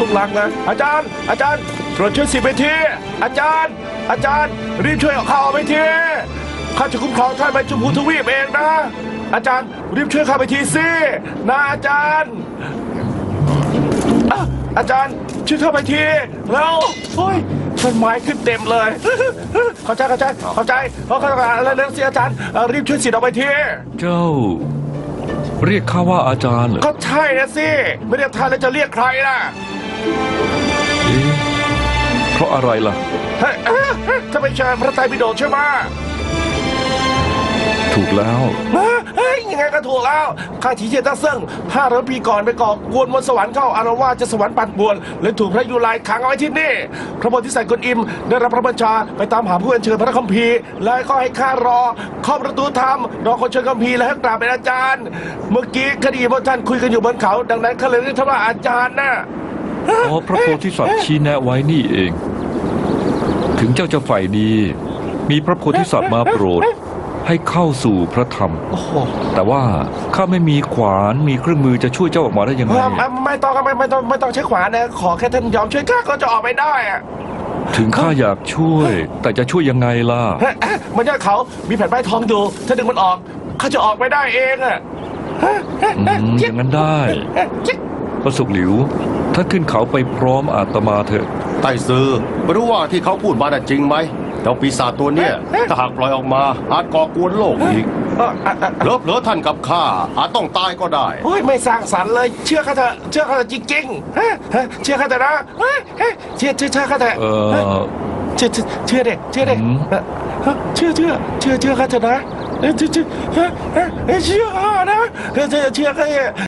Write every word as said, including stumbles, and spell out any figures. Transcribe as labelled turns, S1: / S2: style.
S1: กหลังนะอาจารย์ อาจารย์โปรดช่วยสิบไปทีอาจารย์ อาจารย์รีบช่วยเอาข้าไปทีข้าจะคุ้มครองท่านไปชมพูทวีปเองนะ อาจารย์รีบช่วยข้าไปทีสินะอาจารย์อาจารย์ช่วยเข้าไปทีแล้วโอ้ยต้นไม้ขึ้นเต็มเลยเข้าใจเข้าใจเข้าใจเพราะเข้าใจแล้วเรื่องสิอาจารย์รีบช่วยสิทธิ์เอาไปที
S2: เจ้า เรียกข้าว่าอาจารย์เหรอ
S1: ก็ใช่นะสิไม่เรียกท่านแล้วจะเรียกใครล่ะ
S2: เอ๊ะเพราะอะไรล่ะ
S1: เฮ้ยถ้าไม่ใช่พระไตรปิฎกใช่ไหม
S2: ถูกแล้ว
S1: เฮ้ยยังไงก็ถูกแล้วข้าถีเจยนตั้งเซิ่งห้าร้อยปีก่อนไปก่อกวนมนต์สวรรค์เข้าอารวาสจะสวรรค์ปั่นป่วนเลยถูกพระยุไลขังเอาไว้ที่นี่พระโพธิสัตว์กวนอิมได้รับพระบัญชาไปตามหาผู้อัญเชิญพระคัมภีร์แล้วก็ให้ข้ารอเข้าประตูธรรมรอคนเชิญคัมภีร์แล้วให้กราบเป็นอาจารย์ เมื่อกี้คดีพวกท่านคุยกันอยู่บนเขาดังนั้นข้าเลยเรียกท่านว่าอาจารย์นะ
S2: อ๋อพระโพธิสัตว์ชี้แนะไว้นี่เอง ถึงเจ้าจะฝ่ายดีมีพระโพธิสัตว์มาโปรดให้เข้าสู่พระธรรม
S1: โอ้โห
S2: แต่ว่าข้าไม่มีขวานมีเครื่องมือจะช่วยเจ้าออกมาได้ยังไง
S1: ไม่ไม่ต้องไม่ไม่ต้องไม่ต้องใช้ขวานนะขอแค่ท่านยอมช่วยข้าก็จะออกไปได้อะ
S2: ถึงข้าอยากช่วย แต่จะช่วยยังไงล่ะ
S1: เฮ้ยมันยอดเขามีแผ่นป้ายทองดูถ้าดึงมันออกข้าจะออกไปได้เองอะ
S2: อืมอย่างนั้นได้พระสุกหลิวท่านขึ้นเขาไปพร้อมอาตมาเถอะ
S3: ไต้ซือไม่รู้ว่าที่เขาพูดมาน่ะจริงไหมเจ้าปีศาจตัวเนี้ยถ้าหากปล่อยออกมาอาจก่อกวนโลกอีก
S1: เอ่ออ่ะอ่ะ
S3: เลิฟเลอท่านกับข้าอาจต้องตายก็ได้
S1: โอ้ยไม่สร้างสรรค์เลย เชื่อข้าเถอะเชื่อข้าเถอะจริงๆฮะฮะเชื่อข้าเถอะนะเฮ้ยเฮ้ยเชื่อเชื่อเชื่อข้าเถอะ
S2: เออ
S1: เชื่อเชื่อเชื่อเด็กเชื่อเด็ก
S2: อืม
S1: เอ่อเชื่อเชื่อเชื่อเชื่อข้าเถอะนะเอ้ยเชื่อเชื่อเฮ้ยเฮ้ยเฮ้ยเชื่อข้านะเชื่อเชื่อเชื่อข้า